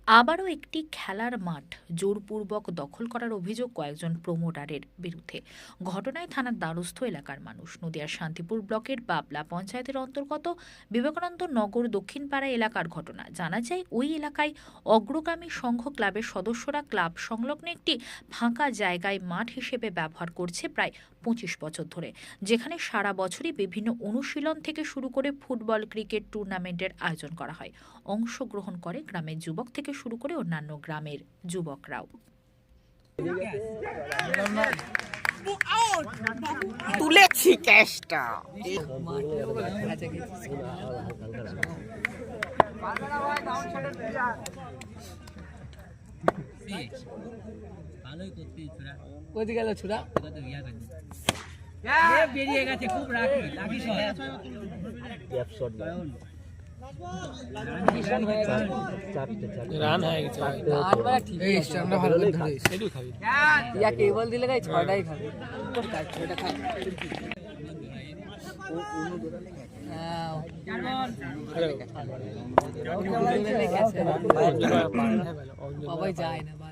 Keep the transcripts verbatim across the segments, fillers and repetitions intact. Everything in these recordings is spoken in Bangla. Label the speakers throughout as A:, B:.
A: আবারও একটি খেলার মাঠ জোরপূর্বক দখল করার অভিযোগ কয়েকজন প্রমোটারের বিরুদ্ধে। ঘটনায় থানার দ্বারস্থ এলাকার মানুষ। নদিয়ার শান্তিপুর ব্লকের বাবলা পঞ্চায়েতের অন্তর্গত বিবেকানন্দ নগর দক্ষিণপাড়া এলাকার ঘটনা। জানা যায়, ওই এলাকায় অগ্রগামী সংঘ ক্লাবের সদস্যরা ক্লাব সংলগ্ন একটি ফাঁকা জায়গায় মাঠ হিসেবে ব্যবহার করছে প্রায় পঁচিশ বছর ধরে, যেখানে সারা বছরই বিভিন্ন অনুশীলন থেকে শুরু করে ফুটবল, ক্রিকেট টুর্নামেন্টের আয়োজন করা হয়। অংশগ্রহণ করে গ্রামের যুবক থেকে শুরু করে অন্যান্য গ্রামের যুবকরাও।
B: তুলেছি ক্যাশটা।
C: কোথায় গেল ছুরা? বেরিয়ে গেছে, খুব রাখি রাখি রান হয়ে গেছে। কেবল দিলে গাই ছটাই খাবে। সবাই যায় না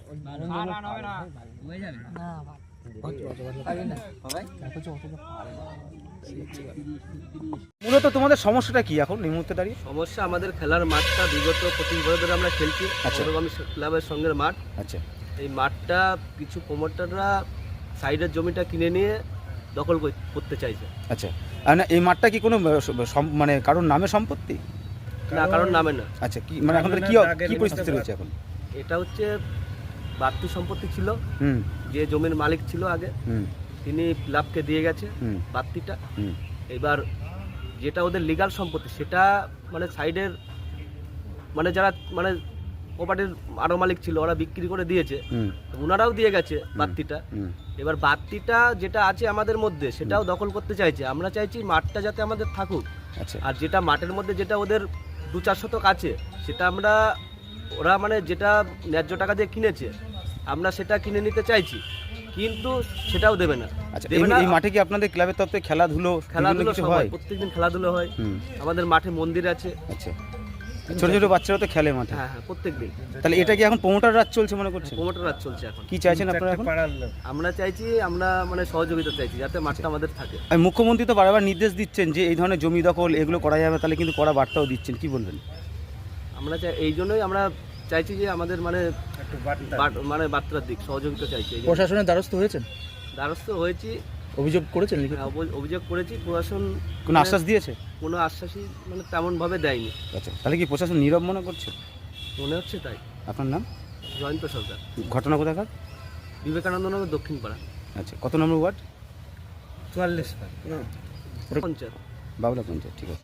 D: মূলত তোমাদের সমস্যাটা কি এখন এই মুহূর্তে দাঁড়িয়ে?
E: সমস্যা, আমাদের খেলার মাঠটা বিগত পঁচিশ বছর ধরে আমরা খেলছি অগ্রগামী ক্লাবের সঙ্গে মাঠ।
D: আচ্ছা,
E: এই মাঠটা কিছু প্রমোটাররা সাইডের জমিটা কিনে নিয়ে দখল করতে চাইছে।
D: আচ্ছা, আর না এই মাঠটা কি কোনো সম- মানে কারোর নামে সম্পত্তি?
E: না, কারণ নামে না।
D: আচ্ছা, কি মানে এখন কি কি পরিস্থিতি রয়েছে এখন?
E: এটা হচ্ছে বাড়তি সম্পত্তি ছিল,
D: হুম
E: যে জমির মালিক ছিল আগে
D: হুম
E: তিনি ক্লাবকে দিয়ে গেছে
D: হুম
E: বাড়তিটা।
D: হুম
E: এবার যেটা ওদের লিগাল সম্পত্তি সেটা মানে সাইডের মানে যারা মানে প্রপার্টির আরো মালিক ছিল ওরা বিক্রি করে দিয়েছে,
D: হুম
E: ওনারাও দিয়ে গেছে বাড়তিটা।
D: হুম
E: এবার বাড়তিটা যেটা আছে আমাদের মধ্যে সেটাও দখল করতে চাইছে। আমরা চাইছি মাঠটা যাতে আমাদের থাকুক,
D: আচ্ছা,
E: আর যেটা মাঠের মধ্যে যেটা ওদের দু চার শতক আছে সেটা আমরা ওরা মানে যেটা ন্যায্য টাকা দিয়ে কিনেছে আমরা সেটা কিনে নিতে চাইছি, কিন্তু সেটাও দেবে না।
D: আচ্ছা,
E: দেবে
D: এই
E: না।
D: এই মাঠে কি আপনাদের ক্লাবের তরফে খেলাধুলো
E: খেলাধুলো
D: কিছু
E: সব
D: হয়?
E: হয়, প্রত্যেকদিন খেলাধুলো হয়।
D: হুম
E: আমাদের মাঠে মন্দির আছে।
D: আচ্ছা, ছোট ছোট বাচ্চারা তো খেলে মাঠে।
E: হ্যাঁ হ্যাঁ, প্রত্যেকদিন।
D: তাহলে এটা কি এখন প্রমোটার রাজ চলছে মনে করছেন?
E: প্রমোটার রাজ চলছে এখন।
D: কি চাইছেন আপনারা এখন?
E: আমরা চাইছি, আমরা মানে সহযোগিতা চাইছি যাতে মাঠটা আমাদের থাকে।
D: আর মুখ্যমন্ত্রী তো বারবার নির্দেশ দিচ্ছেন যে এই ধরনের জমি দখল এগুলো করা যাবে, তাহলে কিন্তু কড়া বার্তাও দিচ্ছেন, কি বলবেন?
E: আমরা চাই, এই জন্যই আমরা চাইছি যে আমাদের মানে বাট- মানে বার্তার দিক সহযোগিতা চাইছি। এই জন্য
C: প্রশাসনের দ্বারস্থ হয়েছেন?
E: দ্বারস্থ হয়েছি,
C: অভিযোগ করেছেন? লিখিত
E: হ্যাঁ, অভি- অভিযোগ করেছি। প্রশাসন
D: কোনো আশ্বাস দিয়েছে?
E: কোনো আশ্বাসই মানে তেমনভাবে দেয়নি।
D: আচ্ছা, তাহলে কি প্রশাসন নীরব মনে করছে?
E: মনে হচ্ছে তাই।
D: আপনার নাম?
E: জয়ন্ত সরকার,
D: ঘটনা কোথাকার?
E: বিবেকানন্দ নগর দক্ষিণ পাড়া,
D: আচ্ছা, কত নম্বর ওয়ার্ড?
E: চুয়াল্লিশ পঞ্চায়েত।
D: বাবলা পঞ্চায়েত, ঠিক আছে।